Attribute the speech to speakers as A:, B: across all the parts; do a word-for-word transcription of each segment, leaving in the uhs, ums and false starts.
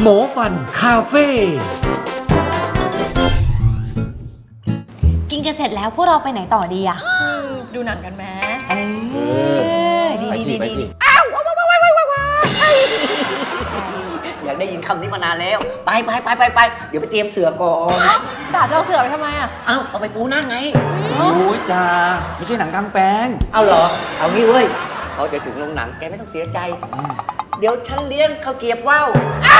A: หมอฟันคาเฟ่
B: กินกันเสร็จแล้วพวกเราไปไหนต่อดีอะ
C: ดูหนังกันไหม
B: เออดีดีดีดี
D: อ้าวว้าวว้าวว้าวว้าวว้าวอยากได้ยินคำนี้มานานแล้ว ไปไปไปไปไปเดี๋ยวไปเตรียมเสือก่อน
C: จ่าจะเอาเสือไปทำไมอ่ะ
D: เอ้าเอาไปปูนั่งไง
A: โอ้ยจ้าไม่ใช่หนังกลางแปลง
D: เอาเหรอ เอางี้เว้ยพอจะถึงโรงหนังแกไม่ต้องเสียใจ เดี๋ยวฉันเลี้ยงข้าวเกรียบว่าว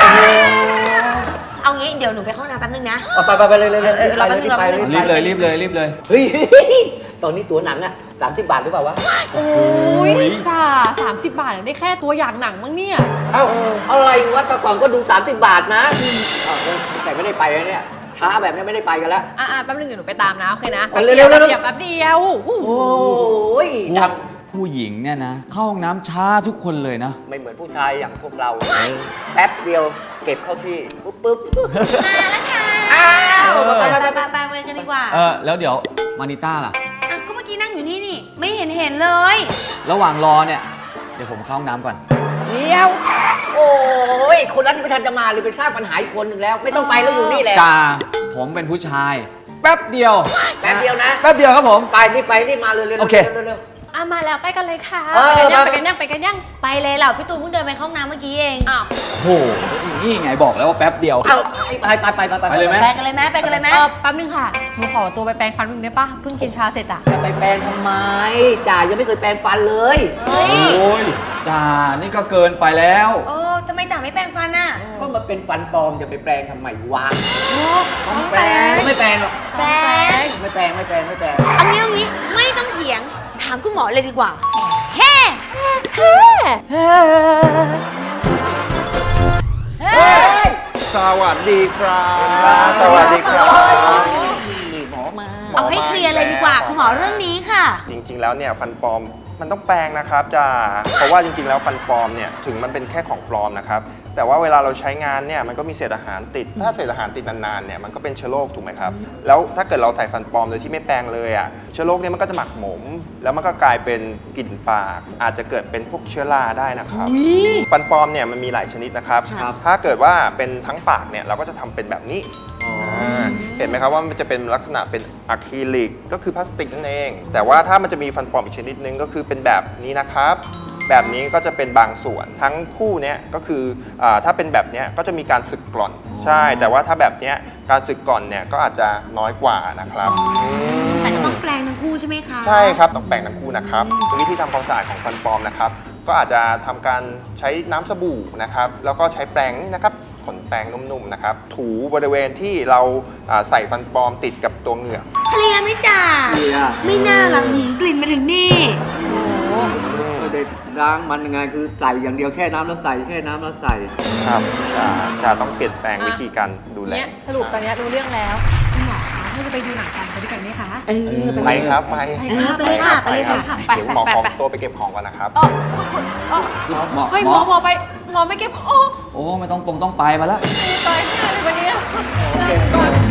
B: เอางี้เดี๋ยวหนูไปเข้าห้องน้ำแป๊บนึงนะ
D: ไปไปไปเลยเลยเลย
B: รอแป๊บนึงรอแป๊บนึง
A: รีบเลยรีบเลยรีบเลย
D: เฮ้ยตอนนี้ตัวหนังอะสามสิบบาทหรือเปล่าวะ
C: โอ้ยจ่าสามสิบบาทได้แค่ตัวอย่างหนังมั้งเนี่ย
D: เอ้าอะไรวัดแต่ก่อนก็ดูสามสิบบาทนะอ้าวแต่ไม่ได้ไปแล้วเนี่ยช้าแบบนี้ไม่ได้ไปกันแล้ว
C: อ่าแป๊บนึงเดี๋ยวหนูไปตามนะโอเคนะ
D: เร็วเร็วเร็ว
C: เดี๋ยวแป๊บเดียว
D: โอ้ย
A: พว
D: จั
A: ก
D: บ
A: ผู้หญิงเนี่ยนะเข้าห้องน้ำช้าทุกคนเลยนะ
D: ไม่เหมือนผู้ชายอย่างพวกเราแป๊บเดียวเก็บเข้าที่ปุ๊บปุ๊บ
B: มาแล้วค่ะ
D: อ้าว
B: ไป
D: ไป
B: ไป
D: ไป
B: ไป
D: ไป
B: ไปไปกันดีกว่า
A: เออแล้วเดี๋ยวมานิต้าล่ะ
B: อ่ะก็เมื่อกี้นั่งอยู่นี่นี่ไม่เห็นเห็นเลย
A: ระหว่างรอเนี่ยเดี๋ยวผมเข้าห้องน้ำก่อน
D: เดี๋ยวโอ้ยคนนั้นไม่ทันจะมาเลยไปสร้างปัญหาอีกคนหนึ่งแล้ว ไม่ต้องไปแล้วอยู่นี่แหละ
A: จ้าผมเป็นผู้ชาย แป๊บเดียว
D: แป๊บเดียวนะ
A: แป๊บเดียวครับผม
D: ไปนี่ไปนี่มาเลยเร็ว
A: โอเค
D: เร็วเร็ว
C: อ่ะมาแล้วไปกันเลยค่ะ
D: เออ
C: ไปกันยังไปกันยังไปกันยัง
B: ไปเลยเหล่าพี่ตูนเพิ่งเดินไปเข้าห้องน้ำเมื่อกี้เอง
C: อ้าว
A: โอ้โหนี่ไงบอกแล้วว่าแป๊บเดียว
D: เอาไปไปไปไปไป
A: ไปเลยไหม
B: ไปกันเลยไหมไปกันเลยไหม
C: เออแป๊บนึงค่ะหนูขอตัวไปแปรงฟันนิดนึงได้ปะเพิ่งกินชาเสร็จอ่ะ
D: จะไปแปรงทำไมจ่ายังไม่เคยแปรงฟันเลย
B: เฮ้ย
A: โอ้ยจ้านี่ก็เกินไปแล้ว
B: โอ้ทำไมจ่าไม่แปรงฟันอ่ะ
D: ก็มาเป็นฟันปลอมจะไปแปรงทำไมวะ
C: ต้องแปรง
D: ไม่แปรงหรอก
B: แปรง
D: ไม่แปรงไม่แปรงไม่แปรง
B: เอางี้เอางี้ไม่ต้องเถียงถามคุณหมอเลยดีกว่าแฮ่
C: เฮ้
B: เฮ้
E: สวัสดีครับ
D: สวัสดีครับหมอมา
B: เอาให้เคลียร์เลยดีกว่าคุณหมอเรื่องนี้ค่ะ
E: จริงๆ แล้วเนี่ยฟันปลอมมันต้องแปลงนะครับจ้าเพราะว่าจริงๆ แล้วฟันปลอมเนี่ยถึงมันเป็นแค่ของปลอมนะครับแต่ว่าเวลาเราใช้งานเนี่ยมันก็มีเศษอาหารติดถ้าเศษอาหารติดนานๆเนี่ยมันก็เป็นเชื้อโรคถูกไหมครับแล้วถ้าเกิดเราใส่ฟันปลอมโดยที่ไม่แปรงเลยอ่ะเชื้อโรคเนี่ยมันก็จะหมักหมม แล้วมันก็กลายเป็นกลิ่นปาก อาจจะเกิดเป็นพวกเชื้อราได้นะครับฟันปลอมเนี่ยมันมีหลายชนิดนะครับ
D: ครับ
E: ถ้าเกิดว่าเป็นทั้งปากเนี่ยเราก็จะทำเป็นแบบนี้ เห็นไหมครับว่ามันจะเป็นลักษณะเป็นอะคริลิกก็คือพลาสติกนั่นเอง แต่ว่าถ้ามันจะมีฟันปลอมอีกชนิดนึงก็คือเป็นแบบนี้นะครับ แบบนี้ก็จะเป็นบางส่วนทั้งคู่เนี้ยก็คืออาถ้าเป็นแบบเนี้ยก็จะมีการสึกกร่อนใช่ แต่ว่าถ้าแบบเนี้ยการสึกกร่อนเนี่ยก็อาจจะน้อยกว่านะครับ
B: แต่ก็ต้องแปรงทั้งคู่ใช่ไหมคะ
E: ใช่ครับต้องแปรงทั้งคู่นะครับวิธีทำความสะอาดของฟันปลอมนะครับก็อาจจะทำการใช้น้ำสบู่นะครับแล้วก็ใช้แปรงนี่นะครับขนแปรงนุ่มๆนะครับถูบริเวณที่เราอ่าใส่ฟันปลอมติดกับตัวเหงือก
B: เคลียร์ไหมจ่า
D: เคลียร์
B: ไม่น่าหรอกหืมกลิ่นมาถึงนี่
D: ไม่ได้ล้างมันยังไงคือใส่อย่างเดียวแช่น้ำแล้วใส่แช่น้ำแล้วใส่
E: ครับจะจะต้องเปลี่ยนแปลงวิธีการดูแล
C: เนี่ยสรุปตอนเนี้ยรู้เรื่องแล้วคุณหมอคะเราจะไปดูหนังกันไปด้วยกันไหมคะ
D: เออ
E: ไปครับไป
B: เออไปเลยค่ะไปเลยค่ะ
C: ไป
E: เดี๋ยว
C: ไป
E: หมอ
C: ไป
E: ขอ
C: ไป
E: ตัวไปเก็บของก่อนนะครับ
C: อ๋อคุณคุณอ๋อ
A: หมอ
C: เฮ้ย
A: ห
C: ห
A: ม
C: ม
A: อ
C: อหมอไปหมอไม่เก็บของ
A: โอ้ไม่ต้องปงต้องไปมาแล้ว
C: ตายหาเลยวันนี้ก่อน